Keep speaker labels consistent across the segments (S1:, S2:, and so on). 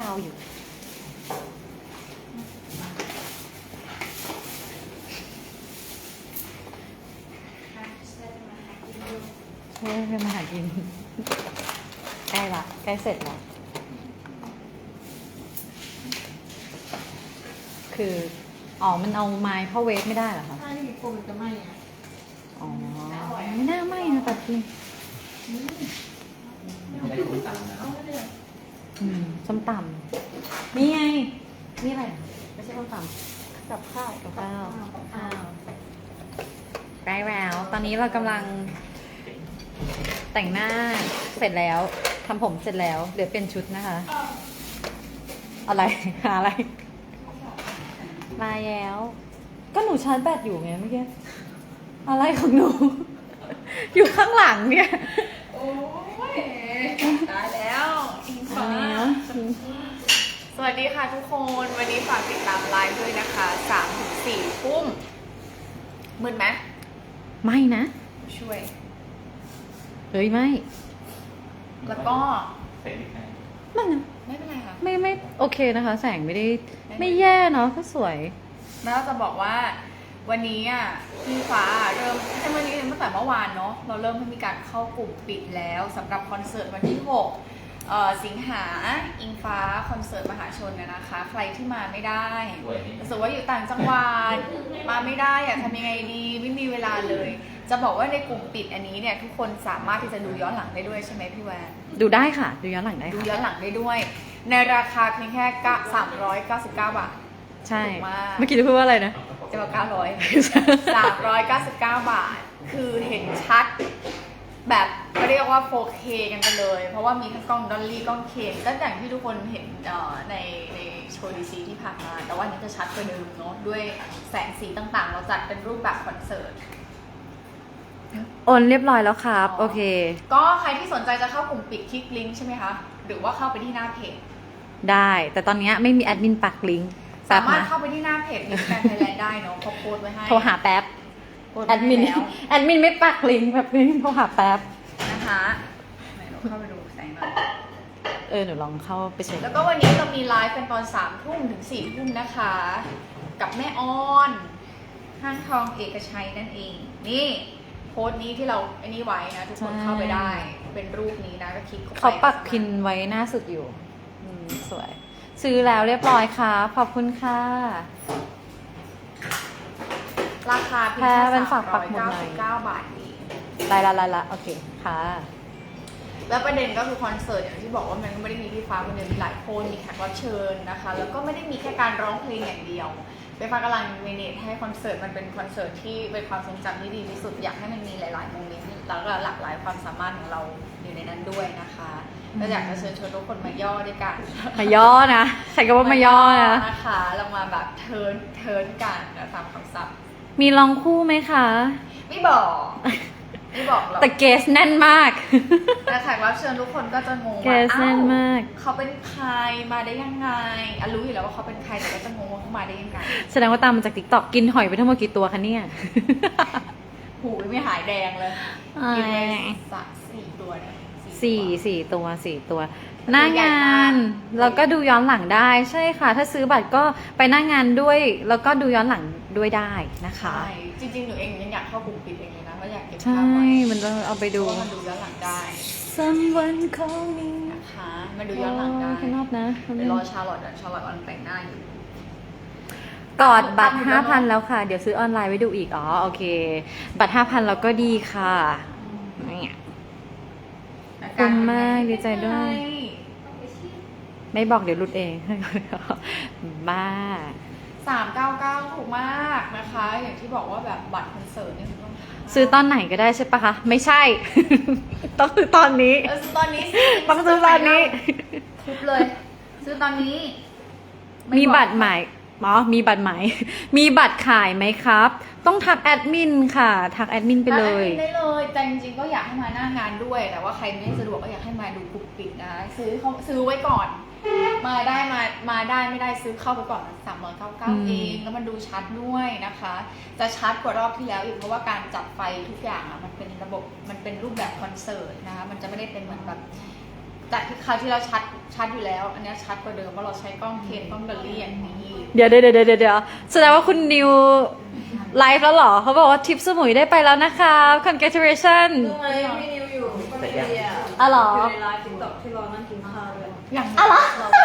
S1: เข้าอยู่เฮ้ยมาหากินใกล้ละใกล้เสร็จแล้วคืออ๋อมันเอาไม้เข้าเวฟไม่ได้เหรอคะ
S2: ถ้าไม่มีโฟมมันจะไหม้อะ
S1: อ๋อไม่น่าไหม้นะแต่กิน
S3: ไม่ได้คุ้นตามนะ
S2: เอาไม่ได้
S1: ส้มตำนี่ไงนี่อะไรไม่ใช่ส้มตำ
S2: กับข้าว
S1: กับข้าวได้แล้วตอนนี้เรากำลังแต่งหน้าเสร็จแล้วทำผมเสร็จแล้วเดี๋ยวเปลี่ยนชุดนะคะ อะไรหาอะไรมาแล้ว ก็หนูชาร์จแบตอยู่ไงเมื่อกี้อะไรของหนู อยู่ข้างหลังเนี่ย
S2: โอ้ยตายแล้วอิงฟ้าสวัสดีค่ะทุกคนวันนี้ฝากติดตามไลฟ์ด้วยนะคะ3-4 ทุ่มมืดไหม
S1: ไม่นะ
S2: ช่วย
S1: เฮ้ยไม่
S2: แล้วก็
S3: เสร็จอีกแล้ว
S1: ไม่นะ
S2: ไม่เป็นไรค่ะ
S1: ไม่โอเคนะคะ แสงไม่ได้ไม่แย่เนาะก็สวย
S2: แล้วจะบอกว่าวันนี้อ่ะพี่ฟ้าเริ่มใช่วันนี้ตั้งแต่เมื่อวานเนาะเราเริ่มให้มีการเข้ากลุ่มปิดแล้วสำหรับคอนเสิร์ตวันที่6สิงหาอิงฟ้าคอนเสิร์ตมหาชนนะคะใครที่มาไม่ได้รู้สึกว่าอยู่ต่างจังหวัดมาไม่ได้อยากทำยังไงดีไม่มีเวลาเลย จะบอกว่าในกลุ่มปิดอันนี้เนี่ยทุกคนสามารถที่จะดูย้อนหลังได้ด้วยใช่ไหมพี่แวน
S1: ดูได้ค่ะ ดูย้อนหลังได้
S2: ดู
S1: ค่ะ
S2: ย้อนหลังได้ด้วย ในราคาเพียงแค่399 บาท
S1: ใช่
S2: ถูกมาก
S1: เมื่อกี้จะพูดว่าอะไรนะ
S2: จะบอก399 บาท คือเห็นชัดแบบก็เรียกว่า 4K กันไปเลย เพราะว่ามีทั้งกล้องดอลลี่กล้องเคนก็อย่างที่ทุกคนเห็นในโชว์ดีซีที่ผ่านมา แต่ว่าอันนี้จะชัดกว่าเดิมเนาะด้วยแสงสีต่างๆ เราจัดเป็นรูปแบบคอนเสิร์ต
S1: โอนเรียบร้อยแล้วครับ โอเค
S2: ก็ใครที่สนใจจะเข้ากลุ่มปิดคลิกลิงก์ใช่ไหมคะ หรือว่าเข้าไปที่หน้าเพจ
S1: ได้ แต่ตอนนี้ไม่มีแอดมินปักลิงก์
S2: สามารถ
S1: นะ
S2: เข้าไปที่หน้าเพจมิสแกรนด์ไทยแลนด์ได้เนาะเขาโพสต์ไว้ให้
S1: โทรหาแป๊บ
S2: โพสต์
S1: แอ
S2: ไว้
S1: ด
S2: ให้
S1: มิน
S2: แล้ว
S1: แอดมินไม่ปักลิงก์แบบนี้โทรหาแป๊บ
S2: นะคะไหนเราเข้าไปดูแสงหน่อย
S1: หนูลองเข้าไปเช็ค
S2: แล้วก็วันนี้เรามีไลฟ์เป็นตอน3 ทุ่มถึง4 ทุ่มนะคะ กับแม่ออน ห้างทองเอกชัยนั่นเอง นี่โพสต์นี้ที่เราไอ้นี่ไว้นะ ทุกคนเข้าไปได้ เป็นรูปนี้นะก็คลิกเข้าไป
S1: เขาปักพินไว้หน้าสุดอยู่สวย ซื้อแล้วเรียบร้อยค่ะขอบคุณค่ะ
S2: ราคาเพียง
S1: แพ้
S2: แค่
S1: เป็นฝากปักหมุดหน่อย
S2: 399 บาทเอง
S1: ไลละโอเคค่ะ
S2: แล้วประเด็นก็คือคอนเสิร์ตอย่างที่บอกว่ามันก็ไม่ได้มีพี่ฟ้าคนเดียวมีหลายคนมีแขกรับเชิญนะคะ แล้วก็ไม่ได้มีแค่การร้องเพลงอย่างเดียวไฟฟ้ากำลังเมเนจให้คอนเสิร์ตมันเป็นคอนเสิร์ตที่เป็นความทรงจำที่ดีที่สุดอยากให้มันมีหลายๆโมเมนต์แล้วก็หลากหลายความสามารถของเราอยู่ในนั้นด้วยนะคะก็อยากจะเชิญชวนทุกคนมาย่อด้วยกัน
S1: มาย่อนะใช้คำว่ามาย่อนะ
S2: นะคะเรามาแบบเทิร์นกันตามคำศัพท์
S1: มีลองคู่ไหมคะ
S2: ไม่บอกไม่บอกหรอก
S1: แต่เกสแน่นมาก
S2: แต่แขกรับเชิญทุกคนก็จะงง
S1: เก
S2: ว่า
S1: สแน่นมาก
S2: เขาเป็นใครมาได้ยังไงรู้อยู่แล้วว่าเขาเป็นใครแต่ก็จะงงว่าเขามาได้ยังไง
S1: แสดงว่าตามมาจากติ๊กต็อกกินหอยไปทั้งหมดกี่ตัวคะเนี่ย
S2: หูไม่หายแดงเลยกินไป4 ตัวเนี่ย
S1: สี่ตัว หน้างานแล้วก็ดูย้อนหลังได้ใช่ค่ะ ถ้าซื้อบัตรก็ไปหน้างานด้วย แล้วก็ดูย้อนหลังด้วยได้นะคะ
S2: ใช่จริงๆหนูเองยังอยากเข้ากลุ่มปิดเองเลยนะว่าอยากเก็บ
S1: ใช่
S2: ภาพไว้
S1: มันจะเอาไป
S2: เพ
S1: ดู
S2: ราะว่ามันดูย้อนหลังได้
S1: someone call me
S2: นะคะมันดูย้อนหลังได้
S1: ข้างนอกนะ
S2: เดี๋ยวรอชาร์ลอตต์กำลังแต่งหน้าอยู่
S1: กอดบัตร 5,000 แล้วค่ะ เดี๋ยวซื้อออนไลน์ไว้ดูอีกอ๋อโอเค บัตร 5,000 แล้วก็ดีค่ะเนี่ย คุ้มมากดีใจด้วย ไม่บอกเดี๋ยวหลุดเอง บ้า
S2: 399ถูกมากนะคะ อย่างที่บอกว่าแบบบัตรคอนเสิร์ตเนี่ยต้อง
S1: ซื้อตอนไหนก็ได้ใช่ปะคะ ไม่ใช่ ต้องซื้อตอนนี้
S2: ซื้อตอนนี้
S1: ต้องซื้อตอนนี้
S2: ทุบเลย ซื้อตอนนี้ไ
S1: มีบัตรใหม่มีบัตรใหม่ มีบัตรขายไหมครับ ต้องทักแอดมินค่ะ ทักแอดมินไปเลย
S2: ได้เลยแต่จริงๆก็อยากให้มาหน้างานด้วย แต่ว่าใครไม่สะดวกก็อยากให้มาดูกลุ่มปิดนะซื้อไว้ก่อน มาได้ไม่ได้ซื้อเข้าไปก่อน399เองแล้วมันดูชัดด้วยนะคะ จะชัดกว่ารอบที่แล้วอีกเพราะว่าการจัดไฟทุกอย่างอ่ะมันเป็นระบบมันเป็นรูปแบบคอนเสิร์ตนะคะมันจะไม่ได้เป็นเหมือนแบบจากที่คราวที่เราชัดอยู่แล้ว อันเนี้ยชัดกว่าเดิมเพราะเราใช้กล้องเคนกล้องดอลลี่อย่างนี้
S1: เดี๋ยวแสดงว่าคุณนิวไลฟ์แล้วเหรอเขาบอกว่าทริปสมุยได้ไปแล้วนะคะ congratulation
S4: ดูไหมพี่นิวอยู่คนเดียว
S1: อ๋อเหรอ
S4: อยู่ในไลฟ์ติ๊กต็อกที่เรานั่งกินข้าวด้วย
S2: อย่าง
S1: อ๋อเหรอ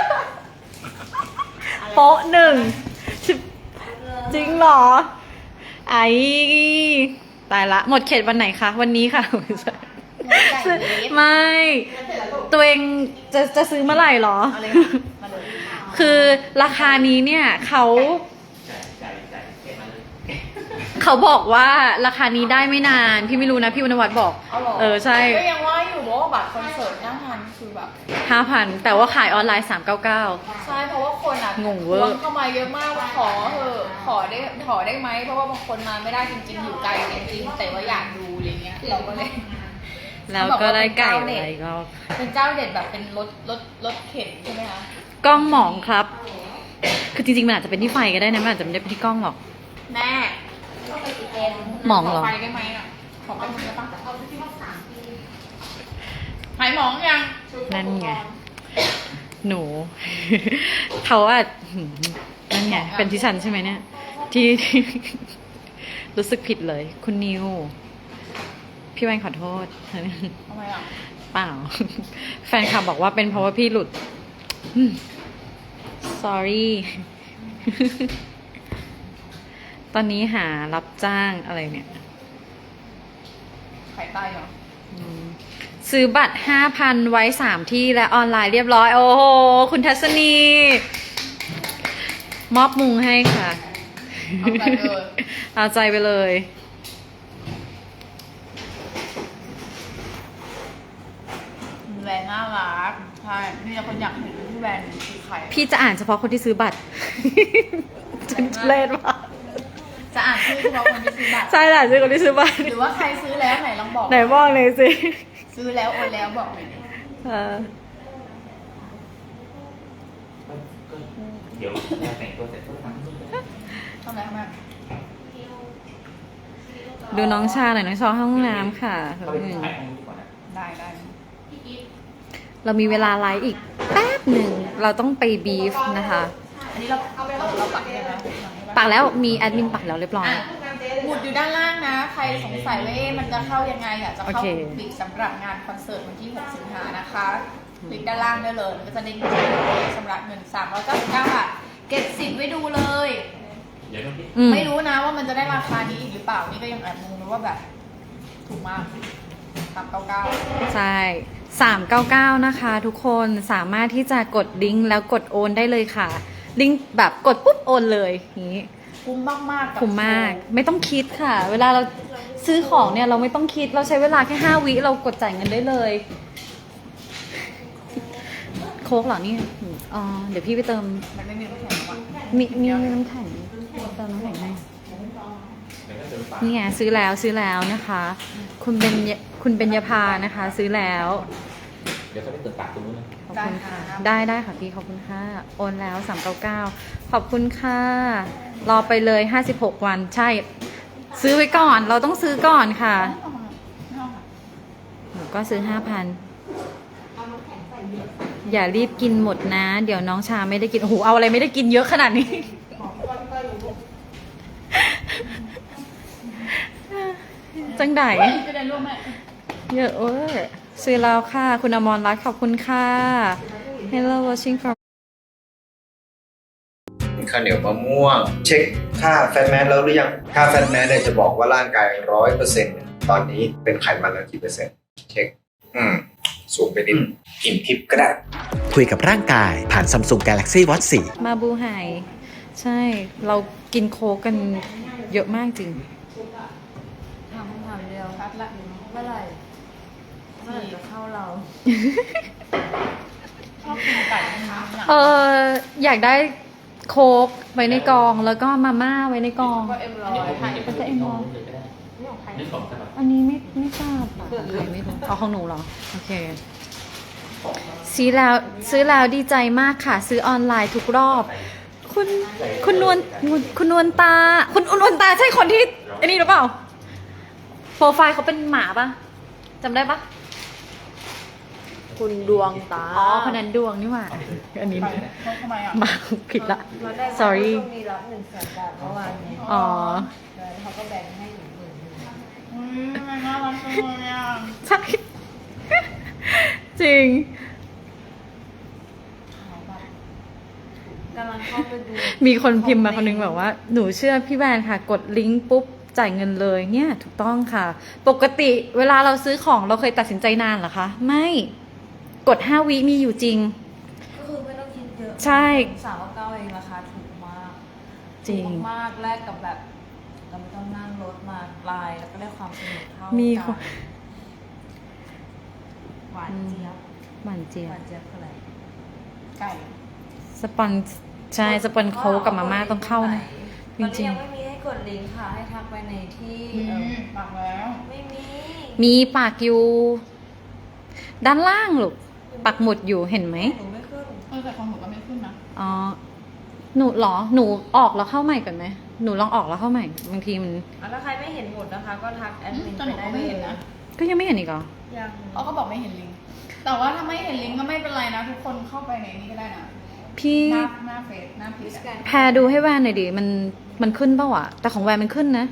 S1: โป๊ะหนึ่งจริงเหรอ ไอ้ตายละหมดเขตวันไหนคะ วันนี้ค่ะ ไม่ ตัวเองจะซื้อเมื่อไหร่เหรอ
S2: เอาเลยมาเลย
S1: คือราคานี้เนี่ยเขา
S3: ใจเก็บมาเลย
S1: เขาบอกว่าราคานี้ได้ไม่นาน พี่ไม่รู้นะ พี่วรรณวัฒน์บอก
S2: เอาหรอ
S1: ใช่
S2: ก็ยังว่าอยู่ว่าบัตรคอนเสิร์ตหน้างานคือแบบ
S1: 5,000 แต่ว่าขายออนไลน์ 399
S2: ใช่เพราะว่าคนอ่ะ
S1: งงเวอร์
S2: ทวเข้ามาเยอะมากว่าขอเถอะขอได้ไหมเพราะว่าบางคนมาไม่ได้จริงๆอยู่ไกลจริงๆแต่ว่าอยากดูอะไรเงี้ยเราก็เลย
S1: แล้วก็ได้ไก่อะไรก็
S2: เป็นเจ้าเด็ดแบบเป็นรถเข็นใช่ไหมคะ
S1: กล้องหมองครับ คือจริงๆมันอาจจะเป็นที่ไฟก็ได้นะมันอาจจะไม่ได้เป็นที่กล้องหรอก
S2: แม่ต้องไปติดเอง
S1: หมองเหรอ
S2: ขอไฟได้ไหมอ่ะขอไปได้ปะหายหมองยัง
S1: นั่นไง หนู เขาว่านั่นไง เป็นที่ฉันใช่ไหมเนี่ย ที่ รู้สึกผิดเลย คุณนิว พี่แวนขอโทษ
S2: ทำไมอ่ะ
S1: เปล่า แฟนคลับบอกว่าเป็นเพราะว่าพี่หลุด sorry ตอนนี้หารับจ้างอะไรเนี่ย
S2: ขายใต้เหรอ
S1: ซื้อบัตร 5,000 ไว้ 3 ที่และออนไลน์เรียบร้อย โอ้โห คุณทัศนี มอบมุงให้ค่ะ
S2: เอาไปเลย
S1: เอาใจไปเลย
S2: แบรนด์น่ารักใช่มีแต่คนอยากเห็นที่แบรนด์คือใคร
S1: พี่จะอ่านเฉพาะคนที่ซื้อบัตร ฉันเล่นว่ะ
S2: จะอ่านชื่อเฉพาะคนที่ซื้อบัตร
S1: ใช่แหละซื้อคนที่ซื้อบัตร
S2: หรือว่าใครซื้อแล้วไหนลองบอก
S1: ไหนบอกเลยสิ
S2: ซื้อแล้วโอนแล้วบอกหน่อยดิ
S1: เออ
S3: เดี๋ยวแต่งตัวเสร็จก็ทำ
S2: ทำไมทำไม
S1: ดูน้องชาหน่อยน้องชาเข้าห้องน้ำค่ะ
S3: เข้าไปถ่ายห้องดีกว่านะ
S2: ได้
S1: เรามีเวลาไลฟ์อีกแป๊บหนึ่ง เราต้องไปบีฟนะคะ
S2: อันนี้เราปักได้ไหม
S1: ปักแล้วมีแอดมินปักแล้วเรียบร้อย
S2: หมุดอยู่ด้านล่างนะ ใครสงสัยว่ามันจะเข้ายังไงอยากจะเข้า
S1: โอเค
S2: กลุ่มปิดสำหรับงานคอนเสิร์ตวันที่ 6 สิงหานะคะคลิกด้านล่างได้เลยมันก็จะเด้งขึ้นชำระเงิน399 บาทเก็บสิทธิ์ไว้ดูเลย
S3: เดี๋ยวต้อง
S1: อืม
S2: ไม่รู้นะว่ามันจะได้ราคานี้อีกหรือเปล่า นี่ก็ยังแอบงงนะว่าแบบถูกมาก399
S1: ใช่ 399 นะคะ ทุกคนสามารถที่จะกดลิงก์แล้วกดโอนได้เลยค่ะ ลิงก์แบบกดปุ๊บโอนเลยอย่างนี้
S2: คุ้มมากๆกับ
S1: คุ้มมาก ไม่ต้องคิดค่ะ เวลาเราซื้อของเนี่ยเราไม่ต้องคิด เราใช้เวลาแค่ 5 วิเรากดจ่ายเงินได้เลย โค้กเหรอเนี่ยอ๋อ เดี๋ยวพี่ไปเติม
S2: มันไม่มีน้ำแข็งหรอก
S1: มีน้ำแข็งเติมน้ำแข็งให้
S3: เดี๋ยวก็เดินป่า
S1: นี่ไงซื้อแล้วนะคะ คุณเบญญภานะคะ ซื้อแล้ว
S3: เดี๋ยวก็ไปเดินป่าตรงนู้นเลย
S1: ขอบคุณค่ะ ได้ค่ะพี่ขอบคุณค่ะ โอนแล้ว 399 ขอบคุณค่ะ รอไปเลย 56 วันใช่ ซื้อไว้ก่อน เราต้องซื้อก่อนค่ะ หนูก็ซื้อ 5,000 อย่ารีบกินหมดนะ เดี๋ยวน้องชาไม่ได้กิน โอ้โห เอาอะไรไม่ได้กินเยอะขนาดนี้ จังได
S2: จะได้ร่วมไหม
S1: เยอะเวอร์ซื้อแล้วค่ะ คุณอมรรัตน์ขอบคุณค่ะ Hello watching from
S5: ข้าวเหนียวมะม่วง เช็คค่าแฟตแมสแล้วหรือยังค่าแฟตแมสเนี่ยจะบอกว่าร่างกาย 100%ตอนนี้เป็นไขมันแล้วกี่เปอร์เซ็นต์เช็คสูงไปนิดกินทิปก็ได้
S6: คุยกับร่างกายผ่าน Samsung Galaxy Watch 4
S1: มาบูไฮใช่ เรากินโค้กกันเยอะมากจริง
S4: ถามคำถามเดียว
S2: ชัดละ
S4: เมื่อไหร่จะเข้าเรา
S2: ชอบกินไก่นะคะเนี่ย
S1: อยากได้โค้กไว้ในกองแล้วก็มาม่าไว้ในกอง
S2: ก็M100
S1: เป็นจะเอ็มร้อย
S3: เลยก็ได้นี่ของฉบับ
S1: อันนี้ไม่ทราบค่ะของใครไม่รู้เอาของหนูเหรอ โอเค ซื้อแล้วดีใจมากค่ะ ซื้อออนไลน์ทุกรอบ คุณนวลตา คุณนวลตาใช่คนที่ไอ้นี่หรือเปล่า โปรไฟล์เขาเป็นหมาปะจำได้ปะ
S4: คุณดวงตา
S1: อ๋อคนนั้นดวงนี่หว่า อันนี้
S2: ไปทำไมอ่ะ
S1: มาผิดละ
S4: เราได้
S1: sorry
S4: ช่วงนี้รับ100,000 บาทเมื่อวานนี้
S1: อ๋อ
S4: แล้วเขาก็แบ่งให้หนู10,000
S2: ทำไมน่ารักจังเลยอ่ะ
S1: ใช่ จริง
S4: กำลังเข้าไปดู
S1: มีคนพิมพ์มาคนนึงแบบว่าหนูเชื่อพี่แวนค่ะ กดลิงก์ปุ๊บจ่ายเงินเลยเนี่ยถูกต้องค่ะ ปกติเวลาเราซื้อของเราเคยตัดสินใจนานเหรอคะ ไม่กด5 วิมีอยู่จริง
S4: ก็คือไม่ต้องคิดเยอะ
S1: ใช่
S4: 399เองราคาถูกมาก
S1: จริง
S4: ถูกมากแลกกับแบบเราไม่ต้องนั่งรถมาไกลแล้วก็ได้ความสนุกเท่า
S1: มี
S4: กั
S1: คน
S4: หวานเจี๊ยบ
S1: หวานเจี๊ย
S4: ห
S1: บ
S4: วานเจี๊ยบคืออะไร
S2: ไก่
S1: สปอนใช่สปอนโค้กกับมาม่าต้องเข้านะ
S4: ตอน
S1: จริ
S4: นี้
S1: ง
S4: ยังไม่มีให้กดลิงก์ค่ะ ให้ทักไปในที่
S2: ปากแล้ว
S4: ไม่มี
S1: มีปากอยู่ ด้านล่างลูกปักหมุดอยู่เห็นไหม
S4: หนูไม่ขึ้น
S2: แต่ของหนูก็ไม่ขึ้นนะ
S1: อ๋อหนูเหรอหนูออกแล้วเข้าใหม่ก่อนไหมหนูลองออกแล้วเข้าใหม่บางทีมัน
S4: ถ้าใครไม่เห็นหมดนะคะ ก็ทักแอดมิน
S2: แต่
S4: ไป
S2: หนู
S4: ได้
S2: ก็
S4: เล
S2: ไม่
S4: ย
S2: เห็นนะ
S1: ก็ยังไม่เห็นอีกเหรอ
S4: ยัง
S2: เขาก็บอกไม่เห็นลิงก์แต่ว่าถ้าไม่เห็นลิงก์ก็ไม่เป็นไรนะ ทุกคนเข้าไปในนี้ก็ได้นะ
S1: พี่
S2: หน้าเฟซหน้าเพจอะ
S1: แพรดูให้แวนหน่อยดิมันขึ้นเปล่าอะแต่ของแวนมันขึ้นนะ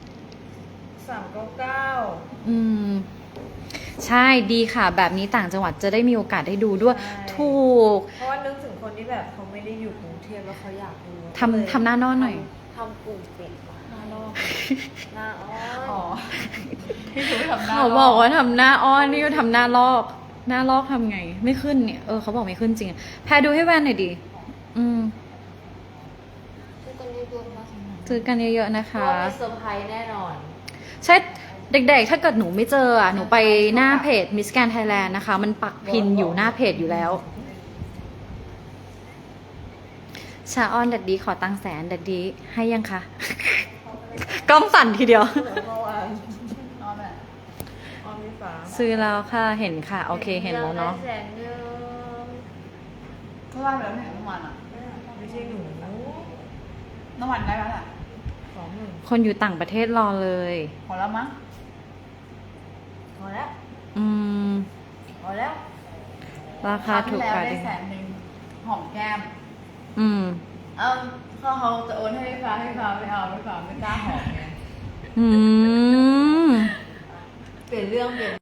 S4: 399
S1: อืม ใช่ดีค่ะ แบบนี้ต่างจังหวัดจะได้มีโอกาสได้ดูด้วย
S4: ใช่
S1: ถูก
S4: เพราะว่านึกถึงคนที่แบบเขาไม่ได้อยู่กรุงเทพแล้วเขาอยากดู
S1: ทำหน้านอนหน่อย
S4: ทำกลุ่มปิดหน้านอกหน้าอ้อ
S2: อ๋อน ที่ถือทำหน้า
S1: เขาบอกว่าทำหน้าอ้อนนี่ก็ทำหน้าลอก หน้าลอกทำไง ไม่ขึ้นเนี่ยเขาบอกไม่ขึ้นจริงอะแพรดูให้แวนหน่อยดิอืม
S4: คือตอนนี้รวมแล้ว
S1: ซื้อกันเยอะๆนะคะ
S4: ว่ามีเซอร์ไพรส์แน่นอน
S1: ใช่เด็กๆ ถ้าเกิดหนูไม่เจอหนูไปหน้าเพจ Miss Grand Thailand นะคะ มันปักพินอยู่หน้าเพจอยู่แล้ว ชาออนดัดดีขอตังค์แสนดัดดีให้ยังคะ กล้องสั่นทีเดียว
S4: เมื่อวาน
S2: นอนแบบ
S4: ออมมีฝา
S1: ซื้อแล้วค่ะเห็นค่ะ โอเคเห็นแล้วเนาะ
S4: ได้แสนเดียว
S2: เมื่อวานไปแล้วไม่เห็นเมื่อวานอ่ะ
S4: ไม่ใช่หนู
S2: เมื่อวานได้แล้วแหละ
S4: 20,000
S1: คนอยู่ต่างประเทศรอเลย
S2: พอแล้วมั้ง
S4: พอแล้ว
S1: อืม
S4: พอแล้ว
S1: ราคาถูก
S2: แล้ว
S1: กว่า
S2: ได้
S1: ดิ
S2: 100,000หอมแก้ม
S1: อืม
S2: เขาจะโอนให้ฟ้าไม่เอาไม่กล้าหอมไง
S1: อืม
S4: เปลี่ยนเรื่องเปลี่ยน